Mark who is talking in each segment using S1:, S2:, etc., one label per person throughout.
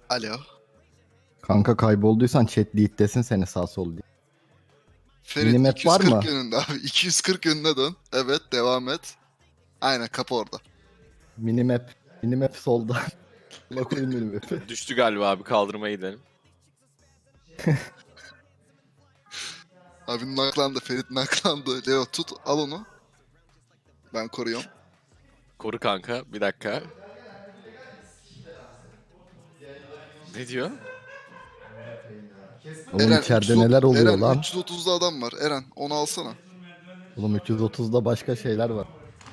S1: Alo.
S2: Kanka kaybolduysan chat desin seni sağ sol diye.
S1: Ferit
S2: Minimap var
S1: 240
S2: mı?
S1: yönünde abi. 240 yönüne dön. Evet, devam et. Aynen, kapı orada.
S2: Minimap. Minimap solda. Allah koyayım minimap'i.
S3: Düştü galiba abi, kaldırmaya gidelim.
S1: Abi naklandı. Ferit naklandı. Leo tut, al onu. Ben koruyorum.
S3: Koru kanka, bir dakika. Ne diyor?
S2: Oğlum içeride
S1: 330
S2: neler oluyor
S1: Eren,
S2: lan?
S1: 330'da adam var. Eren, onu alsana.
S2: Oğlum 330'da başka şeyler var.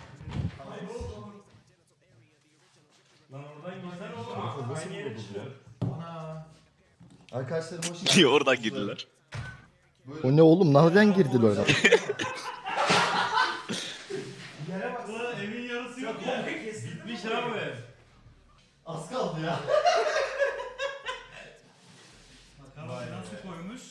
S4: Arkadaşlarım hoş
S3: Niye oradan girdiler?
S2: O ne oğlum? Nereden girdiler oyuna?
S5: Ulan evin yarısı yok ya. Bitmiş abi.
S4: Az kaldı ya.
S5: Bakalım nasıl koymuş.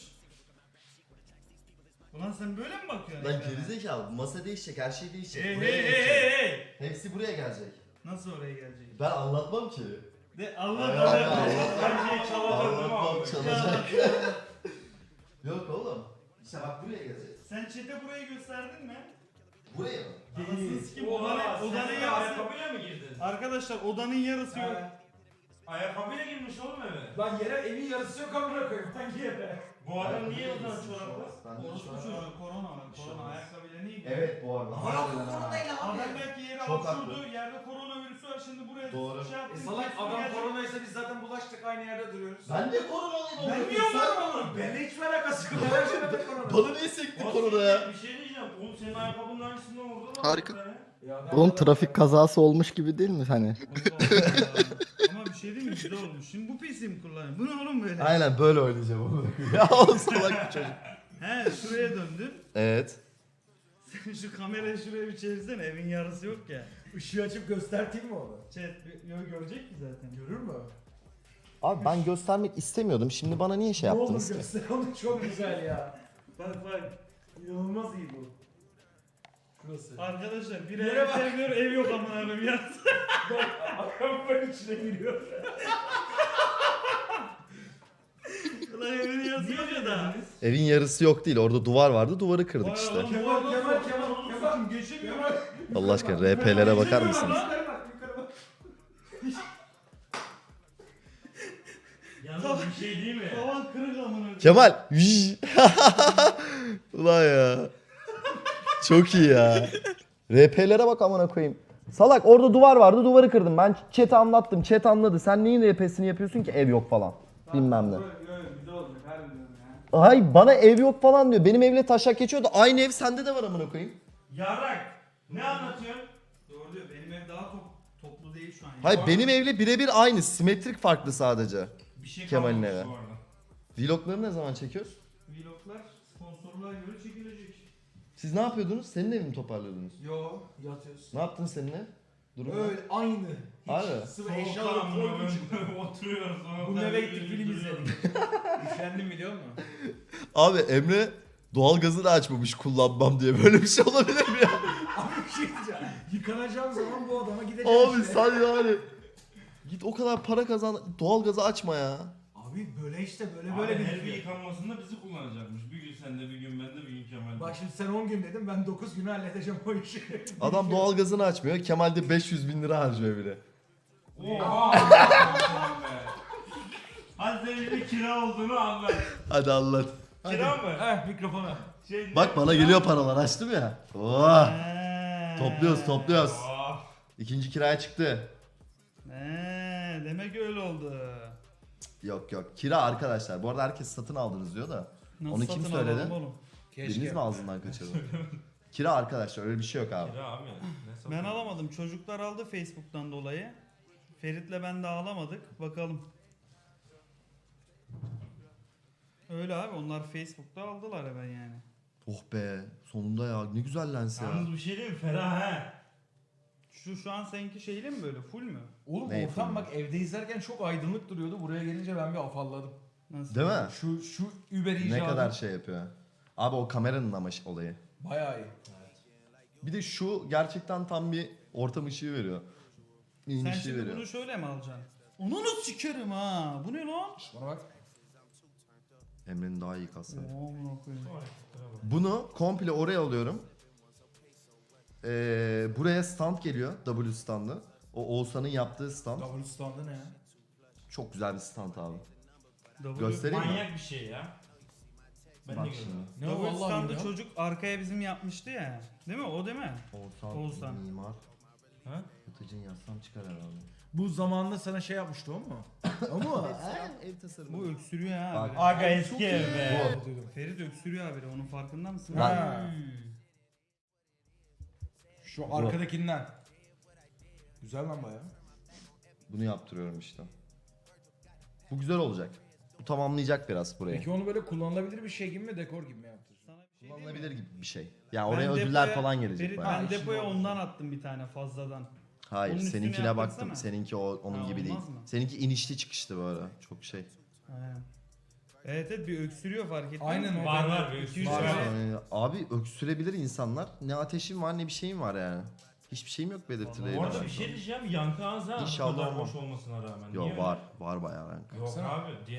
S5: Ulan sen böyle mi bakıyorsun?
S4: Lan
S5: evrene?
S4: gerizekalı, masa değişecek, her şey değişecek.
S5: Hey
S4: Buraya
S5: hey hey
S4: gelecek.
S5: hey hey.
S4: Hepsi buraya gelecek.
S5: Nasıl oraya gelecek?
S4: Ben anlatmam ki.
S5: De Allah
S4: Ay,
S5: Allah.
S4: ay, ay.
S5: Her şeyi çalacak değil mi
S4: Anlatmam,
S5: abi?
S4: çalacak.
S5: Ya,
S4: Yok oğlum. İşte bak buraya gelecek.
S5: sen chat'e burayı gösterdin mi?
S4: Buraya mı?
S5: Anasını sikim odanın yarısı.
S6: Ayakkabıyla mı girdin?
S5: Arkadaşlar odanın yarısı yok.
S6: Ayakkabıyla girmiş oğlum eve.
S7: Lan yere evin yarısı yok amına koyayım. Hangi yere?
S6: Bu adam niye odan çoraplı?
S4: Ben de
S5: Orospu
S4: şu an-
S5: çocuğu korona var. Korona ayakkabıyla niye gidiyor?
S4: Evet bu arada. Harbiden ha.
S5: Adam belki yere
S4: Çok
S5: hapşurdu,
S4: haklı.
S5: yerde koronavirüsü var, şimdi buraya
S4: Doğru.
S5: şey yaptı.
S7: Salak adam koronaysa biz zaten bulaştık aynı yerde duruyoruz.
S4: Ben de koronalıyım oğlum.
S5: Ben niye
S4: Sen-
S5: onu?
S7: Benimle hiç alakası yok. Her şeyde korona.
S4: Bana niye sekti korona ya?
S6: Bir şey diyeceğim. Oğlum senin ayakkabının aynısından vurdu mu?
S1: Harika.
S7: Ya ben-
S2: Oğlum trafik kazası olmuş gibi değil mi hani?
S5: Ama bir şey değil mi? Güzel olmuş. Şimdi bu PC mi kullanayım? Bu ne oğlum böyle?
S4: Aynen böyle oynayacağım oğlum. Ya oğlum salak bir çocuk.
S5: He şuraya döndün.
S4: Evet.
S5: Sen şu kamerayı şuraya bir çevirsene. Evin yarısı yok ya.
S7: Işığı açıp gösterteyim mi onu?
S5: Chat görecek ki zaten.
S7: Görür mü?
S4: Abi ben göstermek istemiyordum. Şimdi bana niye şey
S7: Ne olur
S4: yaptınız ki?
S7: göster onu, çok güzel ya.
S5: Bak bak.
S7: İnanılmaz iyi bu. Şurası.
S5: Arkadaşlar bir
S7: Yere
S5: ev
S7: bak.
S5: sevmiyor, ev yok amına koyayım ya.
S7: Ayakkabının içine giriyor.
S5: Ulan evin yarısı yok ya da.
S4: Evin yarısı yok değil. Orada duvar vardı. Duvarı kırdık işte.
S5: Kemal geçemiyor.
S4: Allah aşkına RP'lere bakar mısınız?
S7: Yukarı bak, yukarı bak.
S6: Yalnız bir şey değil mi?
S5: Tavan kırık amına koyayım.
S4: Kemal. Ulan ya. Çok iyi ya. RP'lere bak amına koyayım. Salak orada duvar vardı, duvarı kırdım. Ben chat'e anlattım. Chat anladı. Sen neyin RP'sini yapıyorsun ki ev yok falan. Bilmem ne.
S5: Güzel oldu. Harbiden ya.
S4: Hay bana ev yok falan diyor. Benim evle taşak geçiyordu. Aynı ev sende de var amına koyayım.
S6: Yarrak. Ne anlatıyorsun?
S5: Doğru diyor. Benim ev daha toplu değil şu an. ya.
S4: Hayır benim evle birebir aynı. Simetrik farklı sadece.
S6: Bir şey
S4: Kemal'in
S6: kalmamış
S4: eve.
S6: bu arada.
S4: Vlogları ne zaman çekiyoruz?
S5: Vloglar sponsorluğa göre çekilecek.
S4: Siz ne yapıyordunuz? Senin evi mi toparlıyordunuz?
S7: Yo, yatıyorsun.
S4: Ne yaptın seninle? Durum ne?
S7: Öyle aynı.
S4: Abi.
S7: Sıvı eşyaları
S6: Soğukkanlı
S7: koydum içine.
S6: oturuyoruz.
S7: Bu eve gittik film izledik. Üşendim biliyor musun?
S4: Abi Emre doğalgazını açmamış kullanmam diye. Böyle bir şey olabilir mi ya?
S7: Abi bir şey diyeceğim. Yıkanacağım zaman bu adama gideceğim
S4: Abi
S7: işte.
S4: sen yani. Git o kadar para kazan. Doğalgazı açma ya.
S7: Abi böyle işte böyle
S6: Böyle
S7: böyle
S6: her bir
S7: bir
S6: yıkanmasında bizi kullanacakmış. Bir gün sende, bir gün bende, bir gün Kemal'de.
S7: Bak şimdi sen 10 gün dedim ben 9 günü halledeceğim o işi.
S4: Adam doğalgazını açmıyor. Kemal de 500 bin lira harcıyor bile.
S6: Oha! Hadi senin bir kira olduğunu anlat.
S4: Hadi anlat.
S6: Kira mı?
S7: Heh mikrofona.
S6: Şey,
S4: Bak bana geliyor paralar açtım ya. Oh. Topluyoruz topluyoruz.
S6: Oh.
S4: İkinci kiraya çıktı.
S5: Demek öyle oldu.
S4: Yok yok. Kira arkadaşlar. Bu arada herkes satın aldınız diyor da.
S5: Nasıl
S4: Onu kim
S5: satın
S4: söyledi?
S5: alalım oğlum?
S4: Biriniz mi ağzından kaçırdı? Kira arkadaşlar öyle bir şey yok abi.
S6: Kira abi. Ne
S5: Ben alamadım. Çocuklar aldı Facebook'tan dolayı. Ferit'le ben de alamadık. Bakalım. Öyle abi onlar Facebook'ta aldılar hemen yani.
S4: Oh be. Sonunda ya. Ne güzel lens ya.
S6: Yalnız bir şey değil mi? Ferah he.
S5: Şu an seninki şeyli mi böyle full mü?
S7: Oğlum
S4: Ne
S7: ortam
S4: yapayım?
S7: bak evde izlerken çok aydınlık duruyordu. Buraya gelince ben bir afalladım.
S5: Nasıl?
S4: Değil mi?
S7: Şu Uber icadı.
S4: Ne kadar şey yapıyor. Abi o kameranın ama olayı.
S7: Bayağı iyi.
S4: Bir de şu gerçekten tam bir ortam ışığı veriyor. İyi
S5: Sen
S4: ışığı
S5: şimdi
S4: veriyor.
S5: bunu şöyle mi alacaksın? Onu sikerim ha. Bu ne lan?
S7: Bana bak.
S4: Emre'nin daha iyi kasları.
S5: Amına koyayım.
S4: Bunu komple oraya alıyorum. Buraya stand geliyor. W standı. O Oğuzhan'ın yaptığı stand.
S7: W standı ne ya?
S4: Çok güzel bir stand abi.
S5: W-
S4: Göstereyim mi?
S6: Manyak bir şey ya. Ben
S4: Bak
S6: de
S4: şimdi.
S6: görüyorum.
S7: Ne o
S5: Double
S7: Allah
S5: standı
S7: bilmiyorum.
S5: çocuk arkaya bizim yapmıştı ya. Değil mi? O değil mi? Oğuzhan.
S4: Mimar.
S7: Ha?
S4: Yatıcı'nın yazsam çıkar herhalde.
S7: Bu zamanında sana şey yapmıştı o mu? O mu?
S4: Ev tasarımı.
S5: Bu öksürüyor ha.
S4: Bak.
S5: Bak.
S6: Aga eski ev be.
S5: Ferit öksürüyor abi. Onun farkında mısın?
S7: Ha. Şu arkadakinden. Güzel lan baya.
S4: Bunu yaptırıyorum işte. Bu güzel olacak. Bu tamamlayacak biraz burayı.
S7: Peki onu böyle kullanılabilir bir şey gibi mi, dekor gibi mi yaptırsın?
S5: Sana bir şey diyeyim mi?
S4: Kullanılabilir gibi bir şey. Ya
S5: Ben
S4: oraya ödüller
S5: depoya-
S4: falan gelecek
S5: Ferit,
S4: bayağı.
S5: ben
S7: işin
S5: depoya
S7: oldu.
S5: ondan attım bir tane fazladan.
S4: Hayır,
S5: Onun üstüne
S4: seninkine baktım.
S5: yaptırsana.
S4: Seninki onun
S5: Ha,
S4: gibi değil.
S5: olmaz mı?
S4: Seninki inişli çıkıştı böyle. Çok şey.
S5: Aynen. Evet evet bir öksürüyor fark ettin
S7: Aynen,
S5: mi?
S6: var,
S5: Ben
S6: var,
S5: de
S6: bir
S5: 200
S7: var.
S5: tane-
S4: Yani abi öksürebilir insanlar. Ne ateşim var ne bir şeyim var yani. Hiçbir şeyim yok belirtileri.
S6: Bu arada bir şey diyeceğim. Yankı ağzı bu
S4: İnşallah
S6: kadar
S4: olmaz.
S6: boş olmasına rağmen.
S4: Yok
S6: Niye
S4: var. Var bayağı yani.
S6: Yok
S7: Baksana.
S6: abi. Diğer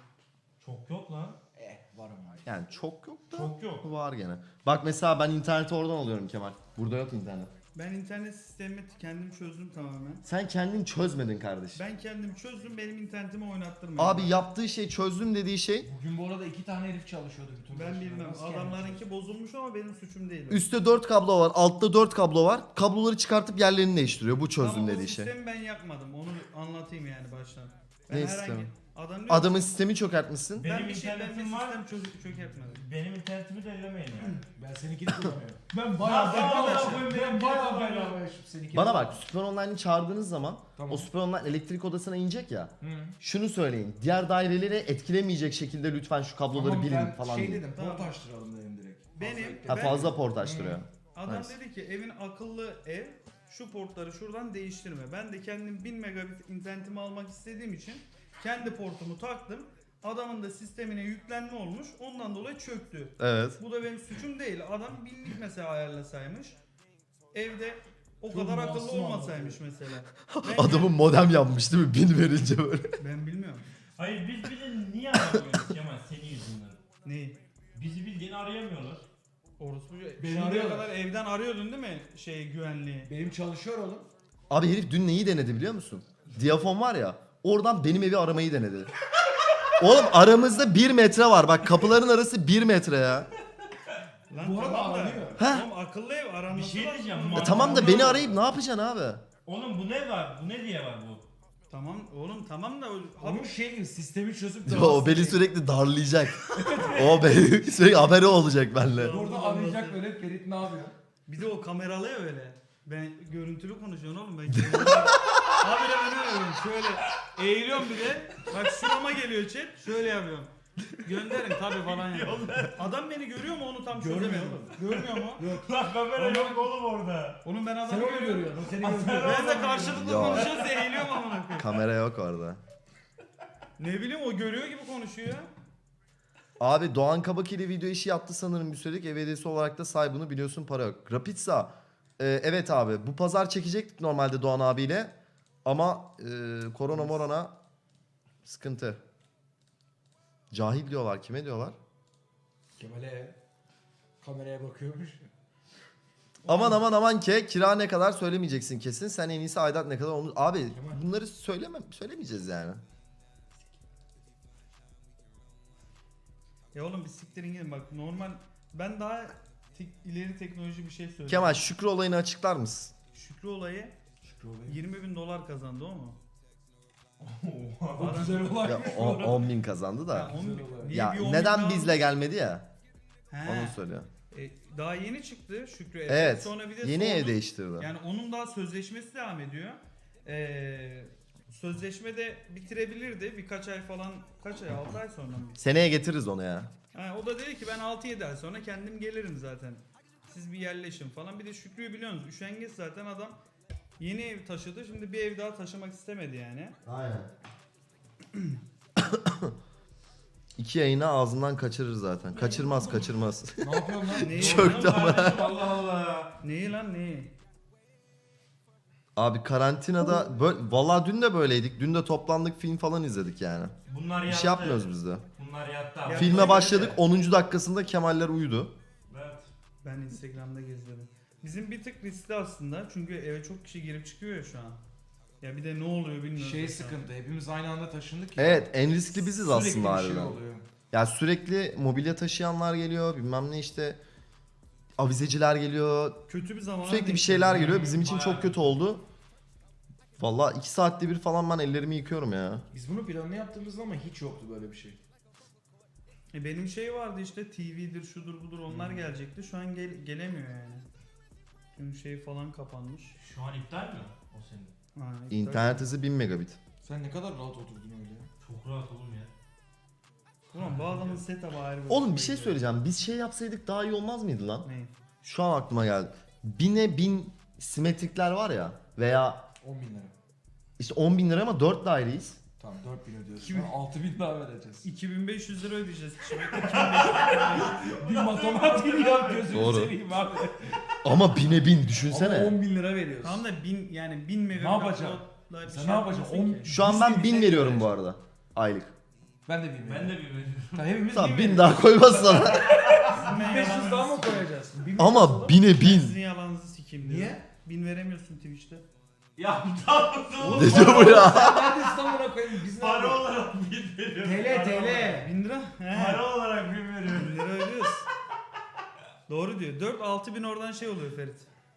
S6: çok yok lan.
S7: Var ama.
S4: Yani çok yok da
S6: Çok yok.
S4: var gene. Bak mesela ben interneti oradan alıyorum Kemal. Burada yok internet.
S5: Ben internet sistemimi kendim çözdüm tamamen.
S4: Sen kendin çözmedin kardeşim.
S5: Ben kendim çözdüm benim internetimi oynattırmıyor.
S4: Abi yaptığı şey çözdüm dediği şey
S7: Bugün bu arada 2 tane herif çalışıyordu bütün
S5: ben
S7: başına.
S5: bilmem
S7: Nasıl yani?
S5: adamlarınki bozulmuş ama benim suçum değil. o.
S4: üstte 4 kablo var, altta 4 kablo var. Kabloları çıkartıp yerlerini değiştiriyor. Bu çözdüm
S5: Ama o
S4: dediği şey.
S5: sistemi ben yapmadım. Onu anlatayım yani baştan. Ben
S4: Ne
S5: herhangi
S4: sistemi?
S5: adam diyor
S4: Adamın
S5: ki,
S4: sistemi çökertmişsin.
S6: Benim
S5: ben bir
S6: internetim var.
S5: sistem çökertmedim.
S6: Benim internetimi de ellemeyin yani.
S7: Ben seninkini kullanıyorum. Ben
S6: Nasıl
S7: bayağı
S6: arkadaşlar?
S7: ben bayağı bedava yaşıp seninkini.
S4: Bana bak Süper Online'ı çağırdığınız zaman
S7: Tamam.
S4: o Süper Online elektrik odasına inecek ya.
S7: Hı.
S4: Şunu söyleyin. Diğer daireleri etkilemeyecek şekilde lütfen şu kabloları
S7: Tamam,
S4: bilin
S7: ben
S4: falan
S7: şey
S4: deyin.
S7: dedim,
S5: Tamam.
S7: port açtıralım dedim direkt.
S5: Benim-
S7: Fazla
S4: Ha fazla port açtırıyor.
S5: Adam
S4: Nice.
S5: dedi ki evin akıllı ev şu portları şuradan değiştirme. Ben de kendim 1000 megabit internetimi almak istediğim için kendi portumu taktım. Adamın da sistemine yüklenme olmuş. Ondan dolayı çöktü.
S4: Evet.
S5: Bu da benim suçum değil. Adam binlik mesela ayarlasaymış. Evde o
S7: Çok
S5: kadar akıllı
S7: masum
S5: olmasaymış mesela.
S4: Adamın modem yapmış değil mi? 1000 verince böyle.
S5: Ben bilmiyorum.
S6: Hayır biz bir de niye aramıyoruz Kemal senin yüzünden?
S5: Neyi?
S6: Bizi bildiğin arayamıyorlar.
S5: Orospu.
S7: Beni
S5: Şimdiye
S7: arıyorlar.
S5: kadar evden arıyordun değil mi güvenliği?
S7: Benim çalışıyor oğlum.
S4: Abi herif dün neyi denedi biliyor musun? Diyafon var ya. Oradan benim evi aramayı denedi. Oğlum aramızda 1 metre var. Bak kapıların arası 1 metre ya.
S5: Lan
S7: Bu arada
S5: tamam da.
S7: aranıyor.
S4: Heh.
S5: Oğlum akıllı ev aranması
S6: Bir şey
S5: lazım.
S6: diyeceğim.
S4: Tamam da beni arayıp ne yapacaksın abi?
S6: Oğlum bu ne var? Bu ne diye var bu?
S5: Tamam oğlum tamam da
S7: Onun şey gibi sistemi çözüp de
S4: O beni sürekli darlayacak. O beni sürekli haberi olacak benimle.
S7: Burada arayacak böyle Ferit ne yapıyor?
S5: bir de o kameralı ya öyle. Ben görüntülü konuşuyorum oğlum ben. Abi de ben öyle şöyle eğiliyorum bir de. Bak şurama geliyor chat. Şöyle yapıyorum. Gönderin tabi falan yani. Adam beni görüyor mu onu tam
S7: Görmüyor
S5: çözemedim.
S7: oğlum.
S5: Görmüyor mu?
S6: Lan kamera yok oğlum orada.
S5: Oğlum ben
S7: Sen
S5: adamı
S7: onu
S5: görüyorum.
S7: görüyorsun, o seni görüyor.
S5: Ben de karşılıklı
S4: Ya.
S5: konuşuyoruz diye eğiliyorum amına koyayım.
S4: Kamera yok orada.
S5: Ne bileyim o görüyor gibi konuşuyor.
S4: Abi Doğan Kabak ile video işi yaptı sanırım bir sürelik. Ev hediyesi olarak da say bunu biliyorsun para yok. Rapidsa. Evet abi bu pazar çekecektik normalde Doğan abiyle. Ama korona morona sıkıntı. Cahil diyorlar. Kime diyorlar?
S7: Kemal'e kameraya bakıyormuş.
S4: Aman aman aman ki kira ne kadar söylemeyeceksin kesin. Sen en iyisi aidat ne kadar olmuş. Abi
S7: Kemal.
S4: bunları söylemeyeceğiz yani.
S5: Ya oğlum bir siktirin gidin bak normal ben daha ileri teknoloji bir şey söyleyeyim.
S4: Kemal Şükrü olayını açıklar mısın?
S5: Şükrü olayı
S7: Şükrü olayım.
S5: 20.000 dolar kazandı o mu?
S7: O güzel olay.
S4: Ya 10.000 kazandı da.
S5: Ya,
S7: güzel olay.
S5: niye
S4: Ya
S5: bir 10.000
S4: neden
S5: daha-
S4: bizle gelmedi ya?
S5: He.
S4: Onu söylüyor.
S5: Daha yeni çıktı Şükrü ev.
S4: Evet.
S5: Sonra bir de
S4: Yeni
S5: sordu-
S4: ev değiştirdi.
S5: Yani onun daha sözleşmesi devam ediyor. Sözleşme de bitirebilirdi birkaç ay falan. Kaç ay? 6 ay sonra mı?
S4: Seneye getiririz onu ya.
S5: Ha, o da dedi ki ben 6-7 ay sonra kendim gelirim zaten. Siz bir yerleşin falan. Bir de Şükrü'yü biliyorsunuz. Üşengeç zaten adam. Yeni ev taşıdı. Şimdi bir ev daha taşımak istemedi yani.
S4: Aynen. 2 yayını ağzından kaçırır zaten. Kaçırmaz.
S7: Ne yapıyorsun lan?
S5: Neyi?
S4: Çöktü ama.
S6: Kardeşim Allah Allah.
S5: Neyi lan neyi?
S4: Abi karantinada böyle, vallahi dün de böyleydik. Dün de toplandık, film falan izledik yani.
S6: Bunlar
S4: Bir
S6: yattı.
S4: şey yapmıyoruz biz de.
S6: Bunlar yattı abi.
S4: Filme başladık, 10. dakikasında Kemaller uyudu.
S6: Evet.
S5: Ben Instagram'da geziyorum. Bizim bir tık riskli aslında çünkü eve çok kişi girip çıkıyor ya şu an. Ya bir de ne oluyor bilmiyorum.
S7: Şey
S5: şu an.
S7: sıkıntı. Hepimiz aynı anda taşındık ya.
S4: Evet, en riskli biziz
S7: Sürekli
S4: aslında
S7: bir şey
S4: harbiden.
S7: oluyor.
S4: Ya sürekli mobilya taşıyanlar geliyor, bilmem ne işte. Avizeciler geliyor.
S5: Kötü bir zaman.
S4: Sürekli bir şeyler geliyor. Bizim için çok kötü oldu. Vallahi 2 saatte bir falan ben ellerimi yıkıyorum ya.
S7: Biz bunu planını yaptığımızda ama hiç yoktu böyle bir şey.
S5: Benim şey vardı işte TV'dir şudur budur onlar gelecekti. Şu an gelemiyor yani. Tüm şey falan kapanmış.
S6: Şu an iptal mi o senin?
S5: Ha, iptal.
S4: İnternet hızı 1000 megabit.
S7: Sen ne kadar rahat oturdun öyle ya.
S6: Çok rahat oğlum ya.
S5: Ulan bu adamın setup'ı ayrı.
S4: Oğlum bir şey söyleyeceğim. Biz şey yapsaydık daha iyi olmaz mıydı lan?
S5: Ne?
S4: Şu an aklıma geldi. 1000'e 1000 simetrikler var ya. Veya
S7: 10 bin lira.
S4: işte 10 bin lira ama 4 daireyiz.
S7: Tamam 4 bin ödüyoruz.
S5: Kim-
S7: 6 bin daha vereceğiz.
S5: 2500 lira ödeyeceğiz. Şimdi
S7: Bir matematiğini yap gözünü
S4: Doğru.
S7: seveyim abi.
S4: Ama 1000'e 1000
S7: Ama
S4: düşünsene.
S7: 10 bin lira veriyoruz.
S5: Tamam da 1000 yani 1000 megabit.
S7: Ne yapacaksın?
S5: upload'la bir
S7: Sen
S5: şey
S7: ne yapacaksın?
S5: yapamazsın ki.
S4: Şu an ben 1000 veriyorum bu arada. Aylık.
S7: Ben de 1000
S6: Ben de bir veriyorum.
S7: Tamam hepimiz
S4: Tamam 1000
S7: veriyoruz.
S4: daha koymazsan.
S7: 1500 daha mı koyacağız? 1000
S4: Ama
S7: yapalım.
S4: 1000'e 1000.
S5: Sizin yalanınızı sikeyim diyor.
S7: Niye?
S5: 1000 veremiyorsun Twitch'te.
S6: Ya tamam oğlum.
S4: Ne diyor bu ya?
S7: Sen nerede İstanbul'a koyayım? Biz
S6: Para
S7: nerede?
S6: olarak bir veriyorum.
S7: TL
S6: Para olarak.
S7: TL.
S5: 1000 lira? He.
S6: Para olarak bir veriyorum.
S5: 1000 lira ödüyoruz. Doğru diyor. 4-6 bin oradan şey oluyor Ferit.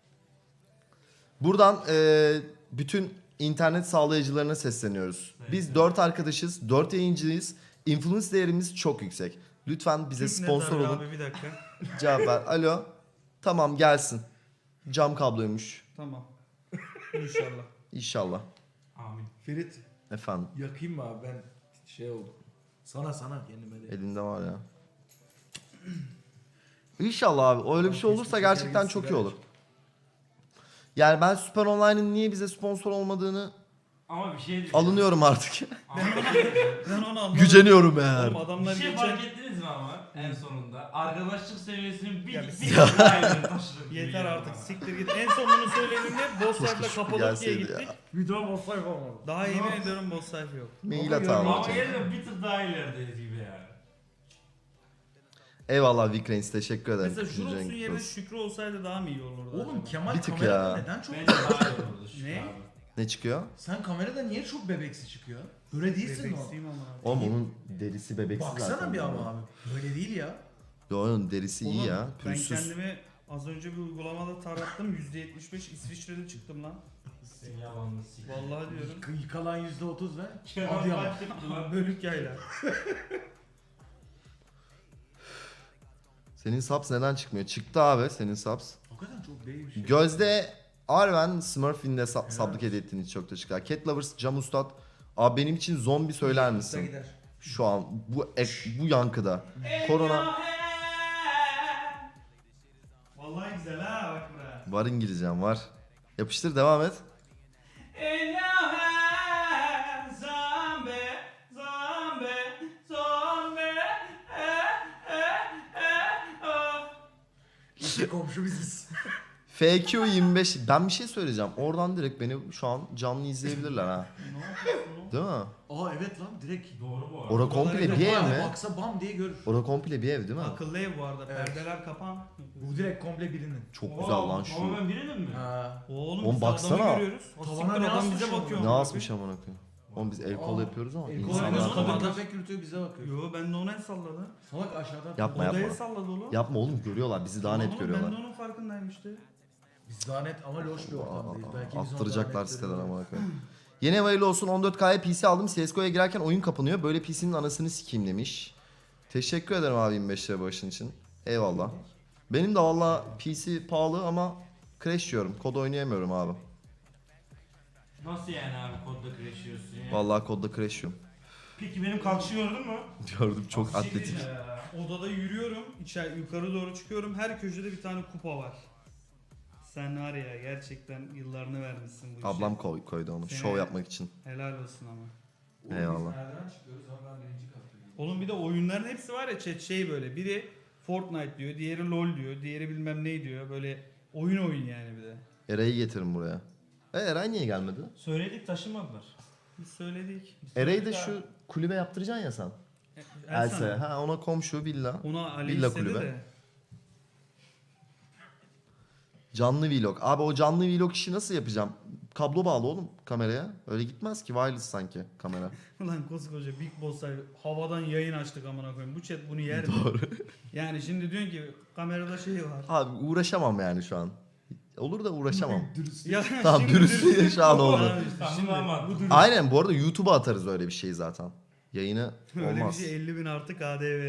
S4: Buradan bütün internet sağlayıcılarına sesleniyoruz. Biz 4 arkadaşız, 4 yayıncıyız. Influence değerimiz çok yüksek. Lütfen bize
S5: Türk
S4: sponsor
S5: net
S4: olun.
S5: abi bir dakika.
S4: Cevap ver. Alo. Tamam gelsin. Cam kabloymuş.
S5: Tamam. İnşallah.
S4: İnşallah.
S6: Amin.
S7: Ferit
S4: Efendim.
S7: yakayım mı abi ben şey oldum. Sana kendime de.
S4: Elinde var ya. İnşallah abi. Öyle bir şey olursa gerçekten çok iyi olur. Yani ben Süper Online'ın niye bize sponsor olmadığını
S6: Ama bir şey diyeceğim.
S4: alınıyorum artık.
S5: Ben onu anladım.
S4: Güceniyorum eğer.
S5: Oğlum
S6: Bir
S5: adamlar
S6: şey
S5: geçen
S6: fark ettiniz mi ama en sonunda? Arkadaşlık seviyesinin bir
S5: Ya
S6: bir daha ileri taşıdık. gibi
S5: yeter
S6: geldi
S5: artık
S6: bana.
S5: siktir git. En son bunu söylediğimde boss sayfada
S4: Şükrü
S5: Kapadokya'ya
S4: gelseydi
S5: gittik.
S4: ya.
S7: Bir daha boss sayfa olmadı.
S5: Daha yemin ediyorum boss sayfa yok.
S4: Mail
S7: Ama
S4: atalım.
S6: Ama gelin bir tık daha ilerideyiz gibi yani.
S4: Eyvallah Vikrens teşekkür ederim.
S5: Mesela
S4: Üçüncü
S5: Juros'un
S4: renk
S5: yerine
S4: olsun.
S5: Şükrü olsaydı daha mı iyi olurdu?
S7: Oğlum
S5: acaba?
S7: Kemal
S4: Bir tık
S7: kamerada
S4: ya.
S7: neden çok
S6: Bence daha iyi olurdu şu
S5: Ne?
S6: abi.
S4: Ne çıkıyor?
S7: Sen kamerada niye çok bebeksi çıkıyor? Böyle değilsin o.
S5: Bebeksiyim ama abi.
S4: Oğlum onun derisi bebeksiz zaten.
S7: Baksana bir ama abi. Böyle değil ya.
S4: Yo, onun derisi iyi
S5: Oğlum,
S4: ya.
S5: Ben
S4: Pürüzsüz.
S5: kendimi az önce bir uygulamada tarattım. %75 İsviçre'de çıktım lan.
S6: Sen yalanını sik.
S5: Vallahi diyorum.
S7: Yıkalan %30 ve
S6: Kenan
S7: Adıyaman.
S6: başladı lan.
S5: Bölük yayla.
S4: Senin subs neden çıkmıyor? Çıktı abi senin subs.
S7: Hakikaten çok değil bir şey.
S4: Gözde Arven Smurf'in de sablık hediye ettiğin için çok teşekkürler. Cat Lovers, Cam Ustad. Abi benim için zombi söyler misin?
S7: Gider.
S4: Şu an bu yankıda. Korona
S5: Vallahi güzel ha bak buraya.
S4: var, İngilizcem var. Yapıştır devam et.
S7: İşte komşu biziz.
S4: FQ25 ben bir şey söyleyeceğim. Oradan direkt beni şu an canlı izleyebilirler ha.
S5: Ne yapıyorsun?
S4: Değil mi?
S7: Aa evet lan direkt.
S6: Doğru bu arada.
S4: Ora komple
S5: Oraları
S4: bir ev
S7: Abi
S4: mi?
S7: Baksa bam diye görür.
S4: Ora komple bir ev değil mi?
S5: Akıllı ev bu arada.
S7: Evet.
S5: Perdeler kapan.
S7: Bu direkt komple birinin.
S4: Çok güzel lan
S6: Ama
S4: şu.
S6: ben birinin mi?
S7: Ha.
S5: Oğlum,
S4: Oğlum
S5: biz
S4: baksana.
S5: adamı görüyoruz. O
S7: Tavana
S5: siktir
S7: ne
S5: adam
S7: asmış
S5: bize
S7: ama?
S5: bakıyor.
S4: Ne
S5: amına
S4: asmış amına koyayım? Oğlum biz el kol
S7: Aa,
S4: yapıyoruz ama
S7: El kol
S4: insanlar
S7: yapıyoruz,
S5: falan-
S7: kadın köpek yürütüyor bize bakıyor.
S5: Yo ben de ona el salladı.
S7: Salak aşağıdan.
S4: Yapma,
S5: Odaya
S4: yapma.
S5: salladı oğlum.
S4: Yapma oğlum, görüyorlar bizi daha net
S5: Oğlum,
S4: görüyorlar.
S5: Ben de onun farkındayım işte.
S7: Biz daha net ama loş bir ortamdayız. Belki biz
S4: Attıracaklar
S7: ondan net
S4: siteden
S7: görüyoruz.
S4: amına koyayım. Yeni hayırlı olsun, 14K'ya PC aldım. CSGO'ya girerken oyun kapanıyor. Böyle PC'nin anasını sikeyim demiş. Teşekkür ederim abi 25 lira başın için. Eyvallah. Benim de valla PC pahalı ama crash yiyorum. Kod oynayamıyorum abi.
S6: Nasıl yani abi kodda crash yiyorsun ya?
S4: Vallahi kodda crash yiyorum.
S6: Peki benim kalkışı gördün mü?
S4: Gördüm, çok
S6: Siktir
S4: atletik.
S6: ya.
S5: Odada yürüyorum. Yukarı doğru çıkıyorum. Her köşede bir tane kupa var. Sen var ya gerçekten yıllarını vermişsin bu işe.
S4: Ablam koydu onu
S5: Seni-
S4: şov yapmak için.
S5: Helal olsun ama.
S7: Oğlum
S4: Eyvallah.
S7: Biz nereden çıkıyoruz ama ben birinci kattayım.
S5: Oğlum bir de oyunların hepsi var ya chat şey böyle. Biri Fortnite diyor, diğeri LoL diyor, diğeri bilmem ne diyor. Böyle oyun yani bir de.
S4: Eray'ı getirin buraya. Eray niye gelmedi?
S6: Söyledik taşınmadılar.
S5: Biz söyledik.
S4: Eray'ı da şu kulübe yaptıracaksın ya sen. Elsa'ya.
S5: Elsa.
S4: Ha ona komşu villa.
S5: Ona Ali
S4: Villa
S5: istedi
S4: kulübe.
S5: de.
S4: Canlı vlog. Abi o canlı vlog işi nasıl yapacağım? Kablo bağlı oğlum kameraya. Öyle gitmez ki. Wireless sanki kamera.
S5: Ulan koskoca Big Boss'lar havadan yayın açtık amına koyayım. Bu chat bunu yer mi?
S4: Doğru.
S5: Yani şimdi diyorsun ki kamerada şey var.
S4: Abi uğraşamam yani şu an. Olur da uğraşamam.
S5: Ya
S4: Tamam
S5: şimdi
S4: dürüstlüğü şu an oldu.
S5: Ya işte şimdi
S6: Tamam.
S5: bu dürüst.
S4: Aynen bu arada YouTube'a atarız öyle bir şey zaten. Yayını
S5: Öyle bir
S4: olmaz.
S5: şey 50.000 artı KDV.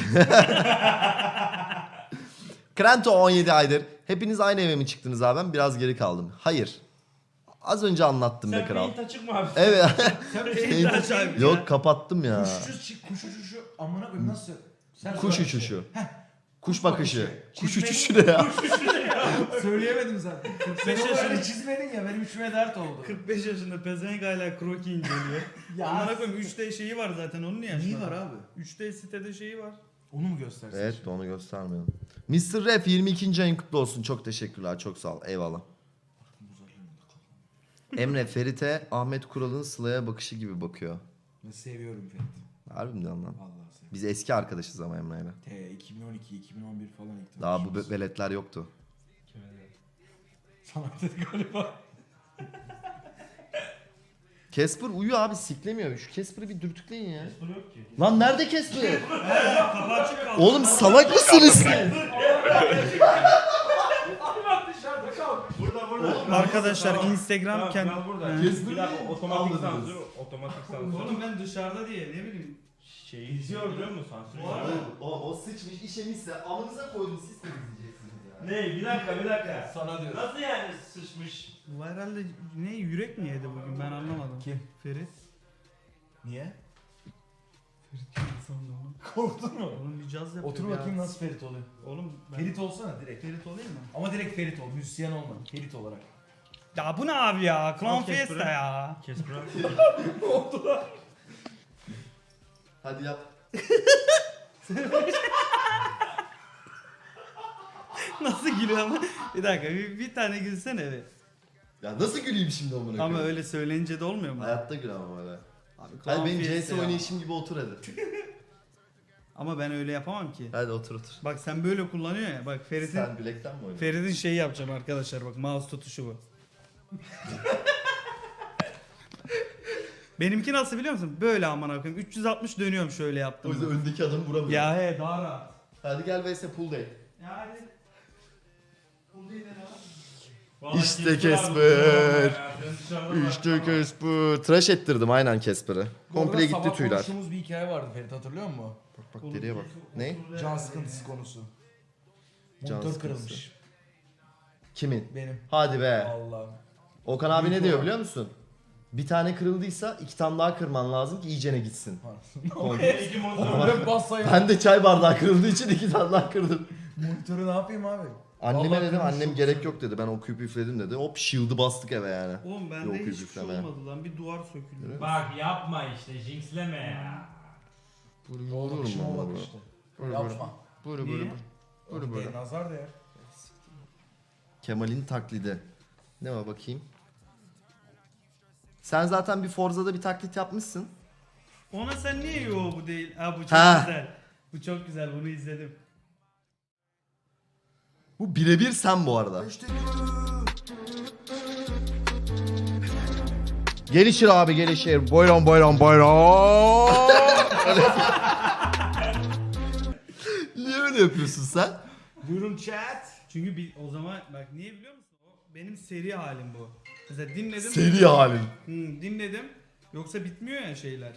S4: Krento 17 aydır. Hepiniz aynı eve mi çıktınız abi? Ben biraz geri kaldım. Hayır. Az önce anlattım be
S6: Sen
S4: kral.
S6: paint açık mı abi?
S4: Evet.
S5: Yayında açayım ya.
S4: Yok kapattım ya.
S7: Kuş uçuşu amına koyayım nasıl? Sen
S4: Kuş
S7: söyle.
S4: uçuşu. Kuş bakışı. Kuş
S7: Çizmeyi-
S4: uçuşu ne ya?
S7: Söyleyemedim zaten.
S5: 45
S7: Sen
S5: yaşında
S7: öyle çizmedin ya benim içime dert oldu.
S5: 45 yaşında pezevenk hala kroki inceliyor.
S7: Ya.
S5: Amına koyayım 3D şeyi var zaten onun niye
S7: Neyi
S5: açmadın?
S7: var abi?
S5: 3D sitede şeyi var.
S7: Onu mu göstersin?
S4: Evet de onu göstermiyorum. Mr. Rap 22. ayın kutlu olsun. Çok teşekkürler. Çok sağ ol. Eyvallah. Emre Ferit'e Ahmet Kural'ın Sıla'ya bakışı gibi bakıyor.
S7: Ben seviyorum Ferit.
S4: Harbi mi lan?
S7: Vallahi seviyorum.
S4: Biz eski arkadaşız ama Emre'yle.
S7: 2012, 2011 falan ilk
S4: Daha bu
S7: tanışıyoruz.
S4: veletler yoktu.
S7: Sana dedi galiba.
S4: Casper uyuyor abi siklemiyor. Şu Casper'ı bir dürtükleyin ya.
S6: Bu yok ki.
S4: Lan nerede Casper?
S5: Kapı açık kaldı.
S4: Oğlum salak mısınız siz?
S5: Arkadaşlar Instagram
S6: Tamam,
S5: kendi...
S6: ben burada.
S5: He.
S6: Bir dakika otomatik sansür. Otomatik sansür.
S5: Oğlum ben dışarıda diye ne bileyim.
S6: Şeyi izliyor biliyor musun sansür?
S4: O sıçmış işemişse amınıza koydum siz temizleyeceksiniz ya.
S6: Ne? Bir dakika.
S7: Sana diyorum.
S6: Nasıl yani sıçmış?
S5: Bu herhalde ne yürek mi yedi bugün ben anlamadım.
S7: Kim?
S5: Ferit.
S7: Niye?
S5: Sandım oğlum.
S7: Korktun mu?
S5: Oğlum bir caz yapıyor.
S7: Otur
S5: ya.
S7: bakayım nasıl Ferit oluyor.
S5: Oğlum ben...
S7: Ferit olsana direkt.
S5: Ferit olayım mı?
S7: Ama direkt Ferit ol. Müzisyen olma. Ferit olarak.
S5: Ya bu ne abi ya? Clown
S6: Al Casper'ı.
S5: Fiesta ya.
S6: Casper
S4: Hadi yap.
S5: Nasıl gülüyor ama? Bir dakika bir tane gülsene be.
S4: Ya nasıl güleyim şimdi amına koyayım?
S5: Ama öyle söyleyince de olmuyor mu?
S4: Hayatta gül ama öyle.
S5: Abi
S4: Hadi
S5: Clown
S4: benim
S5: Fiesta
S4: CS
S5: ya.
S4: oynayışım gibi otur hadi.
S5: Ama ben öyle yapamam ki.
S4: Hadi otur otur.
S5: Bak sen böyle kullanıyorsun ya. Bak Ferit'in
S4: Sen bilekten mi oynuyorsun?
S5: Ferit'in şeyi yapacağım arkadaşlar bak mouse tutuşu bu. Benimki nasıl biliyor musun? Böyle aman koyayım. 360 dönüyorum şöyle
S4: O
S5: yaptım.
S4: yüzden öndeki adamı vuramıyor.
S5: Ya he daha rahat.
S4: Hadi gel vs pull day.
S5: Ya hadi. Bu değil de
S4: İşte Casper. İşte Casper. Tıraş ettirdim aynen Casper'ı. Komple gitti tüyler.
S7: Konuştuğumuz bir hikaye vardı Ferit hatırlıyor musun?
S4: Bak deriye bak. Ne?
S7: Can sıkıntısı konusu.
S4: Can
S7: Motor
S4: sıkıntısı.
S7: kırılmış.
S4: Kimin?
S7: Benim.
S4: Hadi be.
S7: Allah.
S4: Okan abi ne
S7: Büyük
S4: diyor
S7: olan.
S4: biliyor musun? Bir tane kırıldıysa 2 tane daha kırman lazım ki iyicene gitsin.
S6: İki monitör.
S7: Ben bassayım.
S4: Ben de çay bardağı kırıldığı için 2 tane daha kırdım.
S7: Monitörü ne yapayım abi?
S4: Anneme
S7: Vallahi
S4: dedim
S7: kırmış
S4: annem
S7: çok
S4: gerek
S7: güzel.
S4: yok dedi. Ben okuyup üfledim dedi. Hop shield'ı bastık eve yani.
S5: Oğlum
S4: Yok,
S5: bende hiçbir şey
S4: yüzükleme.
S5: olmadı lan. Bir duvar söküldü.
S6: Bak yapma işte jinxleme ya.
S7: Oğlum kışıma bak işte. Yapma.
S4: Buru
S5: Niye?
S7: Buru nazar değer.
S4: Kemal'in taklidi. Ne var bakayım? Sen zaten bir Forza'da bir taklit yapmışsın.
S5: Ona sen niye yo bu değil? Ha bu çok
S4: Ha.
S5: güzel. Bu çok güzel bunu izledim.
S4: Bu birebir sen bu arada. Gelişir abi gelişir. Buyurun buyurun buyurun. Niye öyle yapıyorsun sen?
S7: Buyurun chat.
S5: Çünkü o zaman bak niye biliyor musun? O benim seri halim bu. Mesela dinledim.
S4: Seri halin.
S5: Dinledim. Yoksa bitmiyor ya şeyler.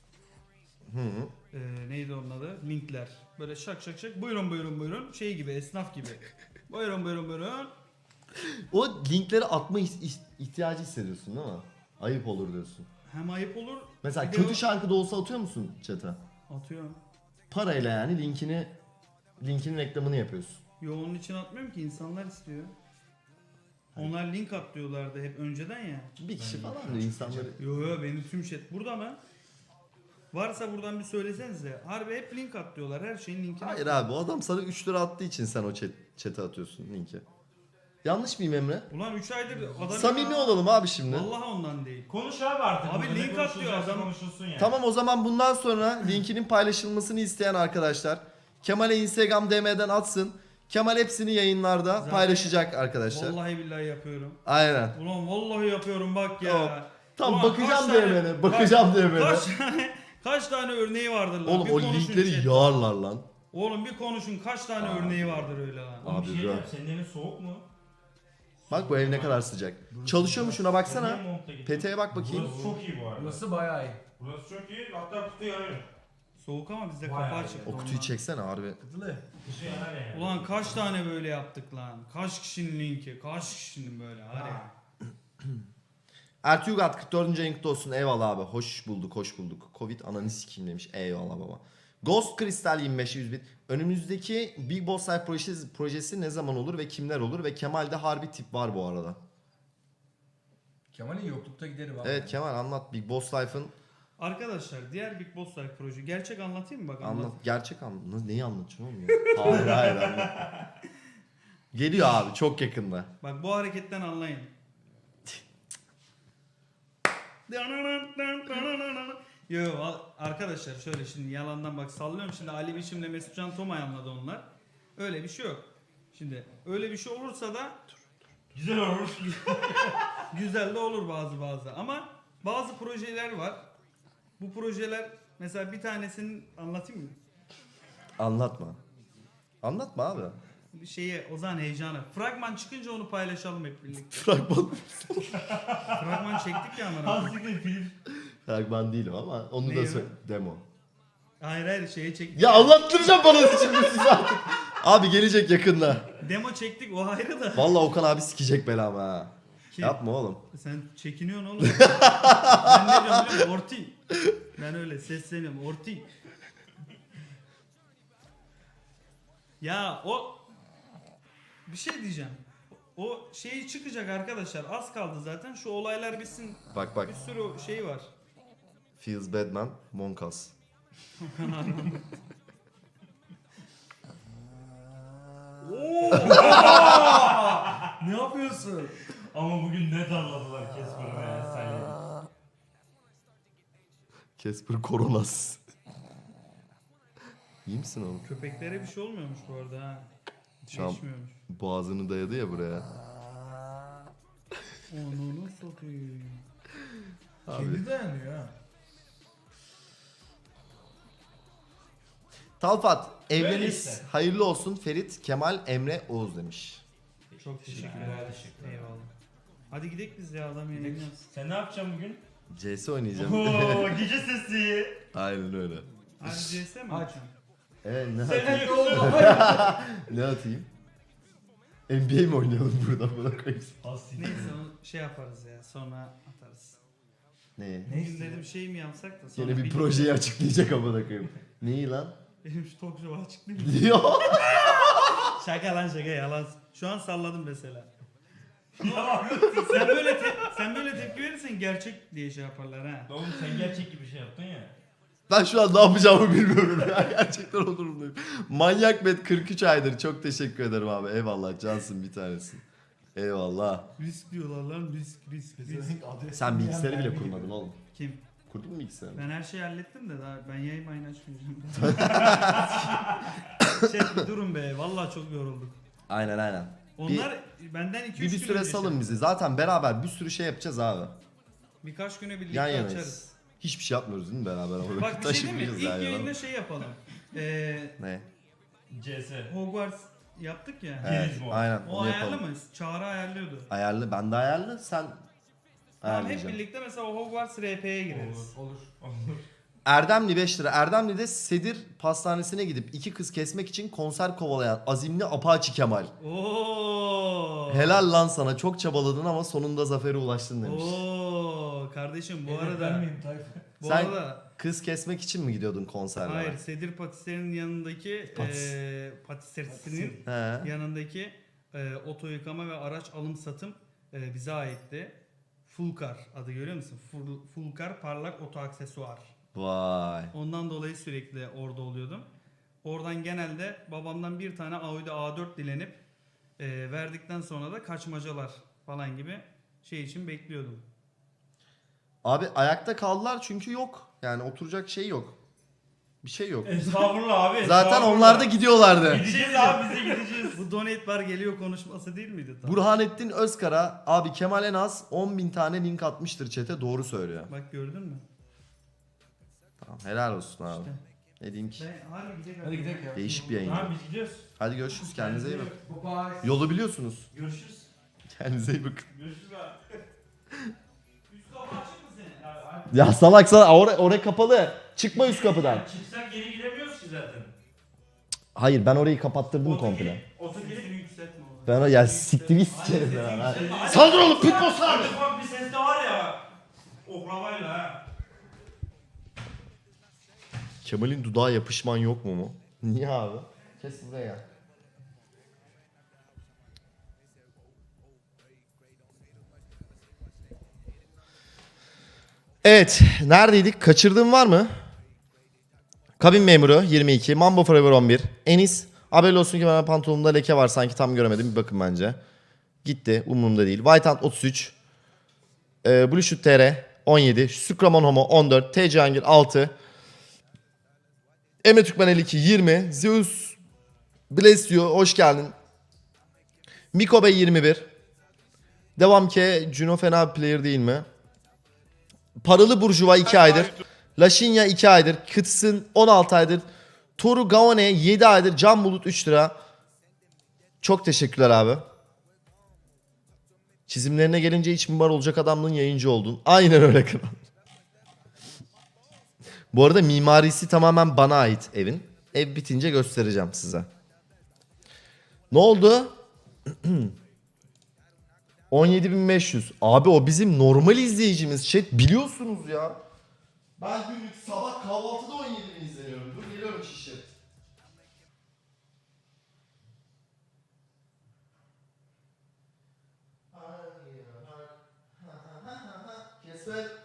S5: Neydi onun adı? Linkler. Böyle şak şak şak. Buyurun buyurun buyurun. Şey gibi esnaf gibi. Buyurun buyurun buyurun.
S4: O linkleri atma ihtiyacı hissediyorsun değil mi? Ayıp olur diyorsun.
S5: Hem ayıp olur.
S4: Mesela
S5: bir de
S4: kötü
S5: o-
S4: şarkı da olsa atıyor musun chat'e?
S5: Atıyorum.
S4: Parayla yani linkin reklamını yapıyorsun.
S5: Yo onun için atmıyorum ki insanlar istiyor. Onlar link atlıyorlardı hep önceden ya.
S4: Bir kişi falan da insanları...
S5: Yo yo benim tüm chat burada mı? Varsa buradan bir söylesenize. Harbi hep link atlıyorlar. Her şeyin linkini
S4: Hayır
S5: atlıyorlar.
S4: abi o adam sana 3 lira attığı için sen o chat'e atıyorsun linki. Yanlış mıyım Emre?
S5: Ulan 3 aydır adam...
S4: Samimi olalım abi şimdi.
S5: Vallahi ondan değil.
S6: Konuş abi artık.
S5: Abi
S6: burada. Ne
S5: link at diyor
S6: konuşulacaksa
S5: adam.
S6: Konuşulsun yani.
S4: Tamam o zaman bundan sonra linkinin paylaşılmasını isteyen arkadaşlar Kemal'e Instagram DM'den atsın. Kemal hepsini yayınlarda
S5: Zaten-
S4: paylaşacak arkadaşlar.
S5: Vallahi billahi yapıyorum.
S4: Aynen.
S5: Ulan vallahi yapıyorum bak ya.
S4: Tamam. Tam
S5: Ulan
S4: bakacağım
S5: kaç tane-
S4: DM'ne. Bakacağım DM'ne.
S5: Kaç tane örneği vardır lan?
S4: Oğlum
S5: Bir
S4: o
S5: konuşun
S4: linkleri
S5: chat.
S4: yağarlar lan.
S5: Oğlum bir konuşun kaç tane örneği vardır öyle lan.
S6: Oğlum bir şey
S4: Abi,
S6: diyeceğim, senin evin soğuk mu?
S4: Bak bu ev ne kadar sıcak. Çalışıyor mu şuna
S6: Sen
S4: baksana.
S6: niye montla gittin?
S4: Peteğe bak bakayım.
S6: Burası çok iyi bu arada.
S7: Burası bayağı iyi.
S6: Burası çok iyi. Hatta kutu yanıyor.
S5: Soğuk ama bizde
S6: Vay
S5: kapı
S6: abi.
S5: açık.
S4: O kutuyu çeksene harbi.
S7: Kıtılı.
S6: Dışı yanar yani.
S5: Ulan kaç tane böyle yaptık lan? Kaç kişinin linki? Kaç kişinin böyle? Hadi.
S4: Ertuğrul 44. ayın kutlu olsun. Eyvallah abi. Hoş bulduk, hoş bulduk. Covid ananı sikeyim demiş. Eyvallah baba. Ghost Crystal 25 100 bit. Önümüzdeki Big Boss Life projesi ne zaman olur ve kimler olur? Ve Kemal'de harbi tip var bu arada.
S7: Kemal'in yoklukta gideri var.
S4: Evet Kemal anlat. Big Boss Life'ın
S5: Arkadaşlar diğer Big Boss Life proje. Gerçek anlatayım mı? Bak
S4: anlat. Gerçek anlat. Neyi anlatacaksın oğlum ya? Hayır hayır anlat. Geliyor abi çok yakında.
S5: Bak bu hareketten anlayın. Yo arkadaşlar şöyle şimdi yalandan bak sallıyorum şimdi Ali Biçim'le Mesut Can Tomay anladı onlar. Öyle bir şey yok. Şimdi öyle bir şey olursa da
S6: Güzel olur.
S5: güzel de olur bazı ama bazı projeler var. Bu projeler mesela bir tanesini anlatayım mı?
S4: Anlatma. Anlatma abi.
S5: Bir şeye Ozan heyecanı. Fragman çıkınca onu paylaşalım hep birlikte.
S4: Fragman.
S5: Fragman çektik ya amına.
S6: Hastikle film.
S4: Fragman değil o ama onu
S5: Ne
S4: da
S5: o?
S4: söyle. Demo.
S5: Hayır şeye çektik.
S4: Ya anlattıracağım bana şimdi siz artık. Abi gelecek yakında.
S5: Demo çektik o ayrı da.
S4: Vallahi Okan abi sikecek belamı ha.
S5: Kim?
S4: Yapma oğlum.
S5: Sen çekiniyorsun oğlum. Ben ne diyorum biliyor musun? Orti. Ben öyle sesleniyorum. Orti. Ya o bir şey diyeceğim. O şeyi çıkacak arkadaşlar. Az kaldı zaten. Şu olaylar bitsin.
S4: Bak bak.
S5: Bir sürü şey var.
S4: Feels Badman, Monkas.
S7: Ne yapıyorsun?
S6: Ama bugün ne darladılar Casper'ı ve Sally'i.
S4: Casper Koronas. İyi misin oğlum?
S5: Köpeklere bir şey olmuyormuş bu arada ha.
S4: Şu an
S5: Geçmiyormuş.
S4: boğazını dayadı ya buraya.
S5: Onu nasıl satayım?
S4: Abi.
S7: Kendi dayanıyor ha.
S4: Talfat,
S6: Böyle
S4: evleniz
S6: işte.
S4: hayırlı olsun Ferit, Kemal, Emre, Oğuz demiş.
S5: Çok teşekkürler. Eyvallah. Hadi gidelim biz ya adam yayınlıyoruz.
S6: Sen ne yapacaksın bugün?
S4: CS oynayacağım.
S6: Ooo gece sesi.
S4: Aynen öyle.
S5: Hadi CS mi
S7: Aç.
S5: açalım?
S4: Evet ne
S6: Sen
S4: atayım?
S6: ne oldu?
S4: Ne atayım? NBA mi oynayalım burada buna koyayım?
S5: Neyse onu şey yaparız ya sonra atarız.
S4: Ne?
S5: Bugün dedim şey mi yapsak da sonra
S4: Yine bir projeyi açıklayacak amına koyayım. Neyi lan?
S5: Benim şu talk show'u açıklayayım mı?
S4: Diyor.
S5: Şaka lan şaka yalan. Şu an salladım mesela.
S6: Ya
S5: Sen böyle tepki verirsen gerçek diye şey yaparlar ha.
S6: oğlum sen gerçek gibi bir şey yaptın ya.
S4: Ben şu an ne yapacağımı bilmiyorum ya. Gerçekten o durumdayım. Manyak Bet 43 aydır. Çok teşekkür ederim abi. Eyvallah. Cansın bir tanesin. Eyvallah.
S5: Risk diyorlar lan risk.
S4: Sen bilgisayarı bile kurmadın oğlum.
S5: Kim?
S4: Kurdun mu bilgisayarı?
S5: Ben her şeyi hallettim de daha ben yayın mayın açmayacağım. Bir durun be vallahi çok yorulduk.
S4: Aynen.
S5: Onlar benden 2-3
S4: Bir
S5: gün
S4: süre
S5: önce
S4: salın
S5: şey-
S4: bizi. Zaten beraber bir sürü şey yapacağız abi.
S5: Birkaç güne birlikte
S4: Yan
S5: açarız.
S4: yanayız. Hiçbir şey yapmıyoruz değil mi beraber? Ama
S5: Bak bir şey değil mi?
S4: taşımayacağız
S5: İlk
S4: yan yana.
S5: yayında şey yapalım.
S4: Ne?
S6: CS.
S5: Hogwarts yaptık ya.
S4: Evet,
S6: Yeriz bu.
S4: aynen
S5: O
S4: onu
S5: ayarlı
S4: yapalım.
S5: mı? Çağrı ayarlıyordu.
S4: Ayarlı. Ben de ayarlı. Sen
S5: Tamam hep
S4: ayarlayacaksın.
S5: birlikte mesela o Hogwarts RP'ye gireriz.
S7: Olur.
S4: Erdemli 5 lira. Erdemli'de Sedir Pastanesi'ne gidip 2 kız kesmek için konser kovalayan azimli Apache Kemal.
S5: Oo.
S4: Helal lan sana. Çok çabaladın ama sonunda zafere ulaştın demiş.
S5: Oo kardeşim bu
S7: Evet,
S5: arada
S7: ben miyim Tayfun?
S5: bu
S4: Sen-
S5: arada
S4: Kız kesmek için mi gidiyordun konserlere?
S5: hayır Sedir Patisserie'nin yanındaki
S4: Patis.
S5: patisserisinin
S4: He.
S5: yanındaki oto yıkama ve araç alım satım bize aitti. Fulkar adı görüyor musun? Fulkar parlak oto aksesuar.
S4: Vay.
S5: Ondan dolayı sürekli orada oluyordum. Oradan genelde babamdan bir tane Audi A4 dilenip Verdikten sonra da kaçmacalar falan gibi şey için bekliyordum.
S4: Abi ayakta kaldılar çünkü yok. Yani oturacak şey yok. Bir şey yok.
S6: Estağfurullah abi.
S4: Zaten
S6: estağfurullah.
S4: onlar da gidiyorlardı.
S6: Gideceğiz abi biz de gideceğiz.
S5: Bu donate bar geliyor konuşması değil miydi? Tam?
S4: Burhanettin Özkara abi Kemal en az 10.000 tane link atmıştır chat'e, doğru söylüyor.
S5: Bak gördün mü?
S4: Tamam, helal olsun abi.
S5: İşte.
S4: Ne diyeyim ki?
S5: Ben harbi gidelim.
S7: Hadi gidelim ya.
S4: Değişik bir yayın.
S6: Abi biz gidiyoruz.
S4: Hadi görüşürüz, kendinize iyi bakın.
S7: Bye.
S4: Yolu biliyorsunuz.
S6: Görüşürüz.
S4: Kendinize iyi bakın.
S6: Görüşürüz abi. Üst kapı açık mı senin? Abi,
S4: Ya salak salak oraya kapalı. Çıkma üst kapıdan.
S6: çıksak geri gidemiyoruz ki zaten.
S4: Hayır, ben orayı kapattırdım komple.
S6: Otogiri
S5: Yükseltme onu.
S4: Ben o ya siktir sikerim ben ha. Saldır oğlum, pitbull saldır.
S6: Ufak bir ses de var ya. Oklavayla ha.
S4: Kemal'in dudağa yapışman yok mu? Niye abi? Kes buraya. Evet, neredeydik? Kaçırdığım var mı? Kabin memuru 22, Mambo Forever 11, Enis. Haberli olsun ki ben pantolonumda leke var, sanki tam göremedim, bir bakın bence. Gitti, umurumda değil. Whitehand 33, Blue Shoot TR 17, Sukramon Homo 14, TC Hangir 6, Emre Türkmen 52 20, Zeus Bless diyor, hoş geldin. Miko Bey 21. Devam ki Juno fena bir player değil mi? Paralı Burjuva 2 aydır. Laşinya 2 aydır. Kıtsın 16 aydır. Toru Gaone 7 aydır. Can Bulut 3 lira. Çok teşekkürler abi. Çizimlerine gelince iç mimar olacak adamlığın yayıncı oldun. Aynen öyle kral. Bu arada mimarisi tamamen bana ait evin. Ev bitince göstereceğim size. Ne oldu? 17.500. Abi o bizim normal izleyicimiz. Chat biliyorsunuz ya. Ben günlük sabah kahvaltıda 17.000 izleniyorum. Dur geliyorum şişe. Kesme.